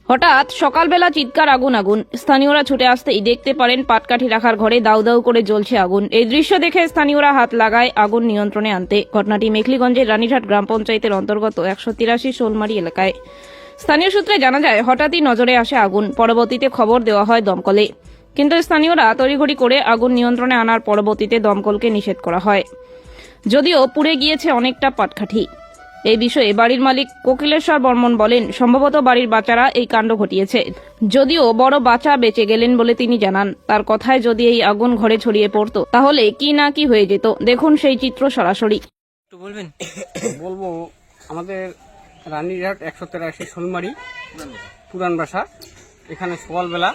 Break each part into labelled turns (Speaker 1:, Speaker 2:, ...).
Speaker 1: হঠাৎ সকালবেলা চিৎকার আগুন আগুন। স্থানীয়রা ছুটে আসতেই দেখতে পারেন পাটকাঠি রাখার ঘরে দাউ দাউ করে জ্বলছে আগুন। এই দৃশ্য দেখে স্থানীয়রা হাত লাগায় আগুন নিয়ন্ত্রণে আনতে। ঘটনাটি মেখলিগঞ্জের রানীঘাট গ্রাম পঞ্চায়েতের অন্তর্গত 183 শোলমারি এলাকায়। স্থানীয় সূত্রে জানা যায়, হঠাৎই নজরে আসে আগুন। পরবর্তীতে খবর দেওয়া হয় দমকলে, কিন্তু স্থানীয়রা তড়িঘড়ি করে আগুন নিয়ন্ত্রণে আনার পরবর্তীতে দমকলকে নিষেধ করা হয়, যদিও পুড়ে গিয়েছে অনেকটা পাটকাঠি। এই বিষয়ে বাড়ির মালিক কোকিলেশ্বর বর্মন বলেন, সম্ভবত বাড়ির বাচ্চারা এই কাণ্ড ঘটিয়েছে। যদিও বড় বাচ্চা বেঁচে গেলেন বলে তিনি জানান। তার কথায় যদি এই আগুন ঘরে ছড়িয়ে পড়তো তাহলে কি না কি হয়ে যেত। দেখুন সেই চিত্র সরাসরি।
Speaker 2: একটু বলবেন?
Speaker 3: বলবো, আমাদের রানীঘাট 183 শোলমারি পুরান বাসা, এখানে সকালবেলা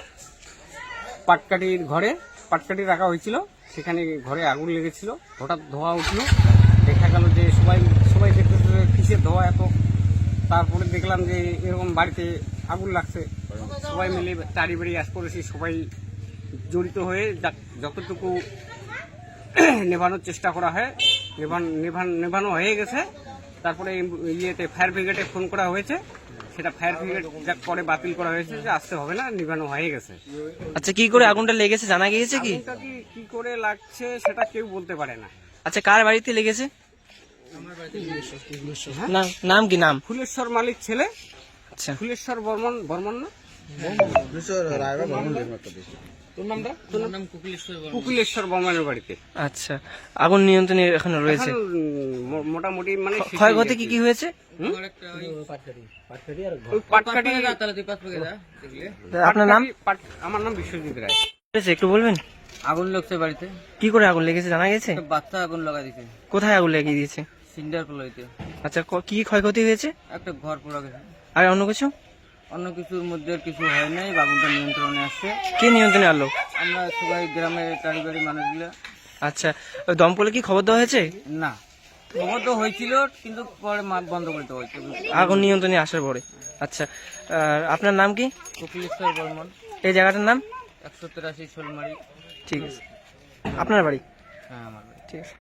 Speaker 3: পাটকাঠি রাখা হয়েছিল। সেখানে ঘরে আগুন লেগেছিল। হঠাৎ ধোঁয়া উঠলো, দেখা গেল যে সবাই দেখতেছে কিসের ধোঁয়া এত। তারপরে দেখলাম যে এরকম বাড়িতে আগুন লাগছে। সবাই মিলে তাড়ি বাড়ি আস করেছি, সবাই জড়িত হয়ে যতটুকু নেভানোর চেষ্টা করা হয়, নেভানো হয়ে গেছে। তারপরে ফায়ার ব্রিগেডে ফোন করা হয়েছে, সেটা ফায়ার ব্রিগেড পরে বাতিল করা হয়েছে যে আসতে হবে না, নিভানো হয়ে গেছে।
Speaker 2: আচ্ছা, কি করে আগুনটা লেগেছে জানা গিয়েছে কি?
Speaker 3: আগুনটা কি করে লাগছে সেটা কেউ বলতে পারে না।
Speaker 2: আচ্ছা, কার বাড়িতে লেগেছে? নাম কি? নাম
Speaker 3: ফুলেশ্বর মালিক ছেলে।
Speaker 2: আচ্ছা,
Speaker 3: ফুলেশ্বর বর্মন না? কুকিলেশ্বর বর্মনের বাড়িতে।
Speaker 2: আচ্ছা, আগুন নিয়ন্ত্রণে এখনো রয়েছে।
Speaker 3: এখন মোটামুটি মানে
Speaker 2: ক্ষয়ক্ষতি কি কি হয়েছে?
Speaker 3: ওই পাটকাঠি।
Speaker 2: আপনার নাম?
Speaker 3: আমার নাম বিশ্বজিৎ রায়।
Speaker 2: একটু বলবেন?
Speaker 4: আগুন লাগছে বাড়িতে,
Speaker 2: কি করে আগুন লেগেছে জানা গেছে?
Speaker 4: একটা বাচ্চা আগুন লাগা দিছে
Speaker 2: কোথায় আগুন লাগিয়ে দিয়েছে?
Speaker 4: সিন্ডার কলাইতে।
Speaker 2: আচ্ছা, কি ক্ষয়ক্ষতি হয়েছে?
Speaker 4: একটা ঘর পোড়া গেছে।
Speaker 2: আর অন্য কিছু?
Speaker 4: অন্য কিছুর মধ্যে আর কিছু হয় নাই, আগুনটা নিয়ন্ত্রণে আসছে।
Speaker 2: কে নিয়ন্ত্রণে আনলো?
Speaker 4: আমরা সবাই গ্রামের টাড়িবাড়ি মানুষগুলো।
Speaker 2: আচ্ছা, ওই দমকলে কি খবর দেওয়া হয়েছে?
Speaker 4: না, খবর তো হয়েছিল, কিন্তু পরে বন্ধ করতে হয়েছে
Speaker 2: আগুন নিয়ন্ত্রণে আসার পরে। আচ্ছা, আর আপনার নাম কি?
Speaker 4: কোকিলেশ্বর বর্মন,
Speaker 2: এই জায়গাটার নাম?
Speaker 4: 183 শোলমারি।
Speaker 2: ঠিক আছে। আপনার বাড়ি?
Speaker 4: হ্যাঁ, আমার বাড়ি।
Speaker 2: ঠিক আছে।